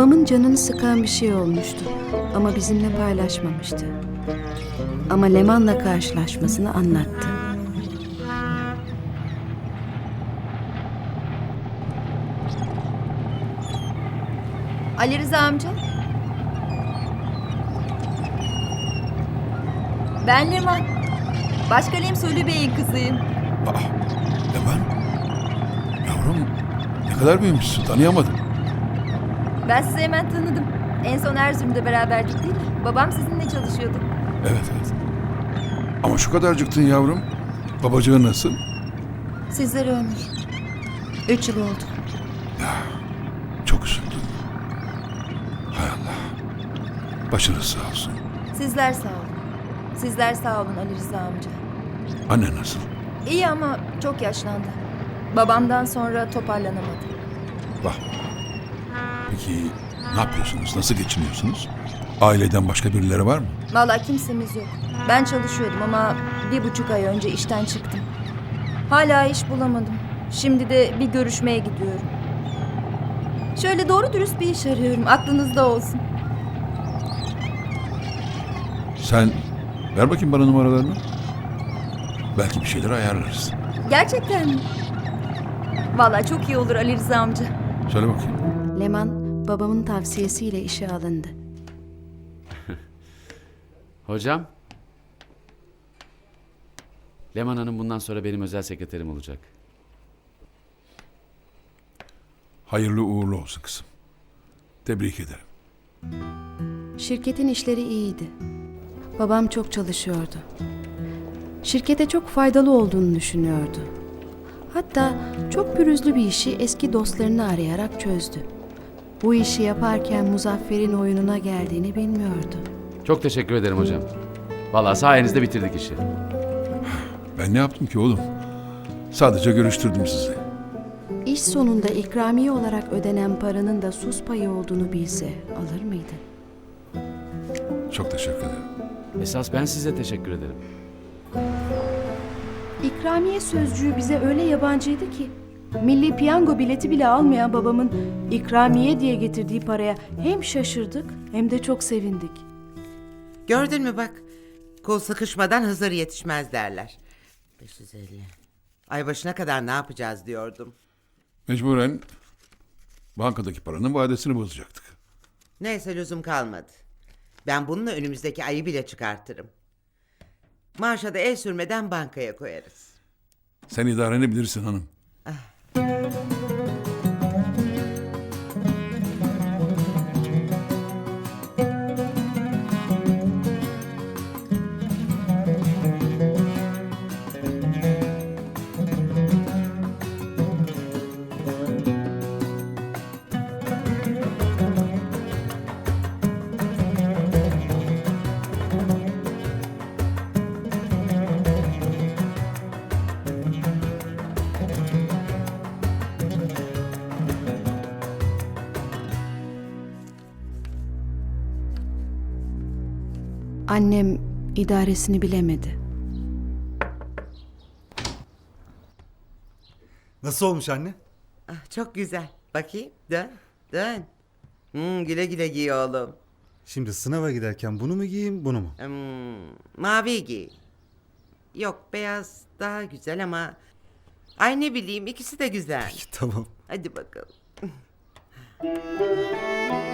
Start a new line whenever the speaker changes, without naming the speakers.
Babamın canını sıkan bir şey olmuştu ama bizimle paylaşmamıştı. Ama Leman'la karşılaşmasını anlattı.
Ali Rıza amca. Ben Leman. Başkalem Sölü Bey'in kızıyım.
Leman? Yavrum ne kadar büyümüşsün, tanıyamadım.
Ben sizi hemen tanıdım. En son Erzurum'da beraberdik değil mi? Babam sizinle çalışıyordu.
Evet. Ama şu kadarcıktın yavrum. Babacığın nasıl?
Sizlere ömür. 3 yıl oldu.
Çok üzüldüm. Hay Allah. Başınız sağ olsun.
Sizler sağ olun. Sizler sağ olun Ali Rıza amca.
Anne nasıl?
İyi ama çok yaşlandı. Babamdan sonra toparlanamadı.
Vah. Peki ne yapıyorsunuz? Nasıl geçiniyorsunuz? Aileden başka birileri var mı?
Vallahi kimsemiz yok. Ben çalışıyordum ama 1,5 ay önce işten çıktım. Hala iş bulamadım. Şimdi de bir görüşmeye gidiyorum. Şöyle doğru dürüst bir iş arıyorum. Aklınızda olsun.
Sen ver bakayım bana numaralarını. Belki bir şeyler ayarlarız.
Gerçekten mi? Vallahi çok iyi olur Ali Rıza amca.
Söyle bakayım.
Leman babamın tavsiyesiyle işe alındı.
Hocam. Leman Hanım bundan sonra benim özel sekreterim olacak.
Hayırlı uğurlu olsun kızım. Tebrik ederim.
Şirketin işleri iyiydi. Babam çok çalışıyordu. Şirkete çok faydalı olduğunu düşünüyordu. Hatta çok pürüzlü bir işi eski dostlarını arayarak çözdü. Bu işi yaparken Muzaffer'in oyununa geldiğini bilmiyordu.
Çok teşekkür ederim hocam. Vallahi sayenizde bitirdik işi.
Ben ne yaptım ki oğlum? Sadece görüştürdüm sizi.
İş sonunda ikramiye olarak ödenen paranın da sus payı olduğunu bilse alır mıydı?
Çok teşekkür ederim.
Esas ben size teşekkür ederim.
İkramiye sözcüğü bize öyle yabancıydı ki. Milli piyango bileti bile almayan babamın ikramiye diye getirdiği paraya hem şaşırdık hem de çok sevindik.
Gördün mü bak. Kol sıkışmadan Hızır yetişmez derler. 550. Ay başına kadar ne yapacağız diyordum.
Mecburen bankadaki paranın vadesini bozacaktık.
Neyse lüzum kalmadı. Ben bununla önümüzdeki ayı bile çıkartırım. Maaşa da el sürmeden bankaya koyarız.
Sen idareni bilirsin hanım.
Annem idaresini bilemedi.
Nasıl olmuş anne?
Ah, çok güzel. Bakayım dön dön. Güle güle giy oğlum.
Şimdi sınava giderken bunu mu giyeyim bunu mu?
Mavi giy. Yok beyaz daha güzel ama... Ay ne bileyim ikisi de güzel.
Peki tamam.
Hadi bakalım.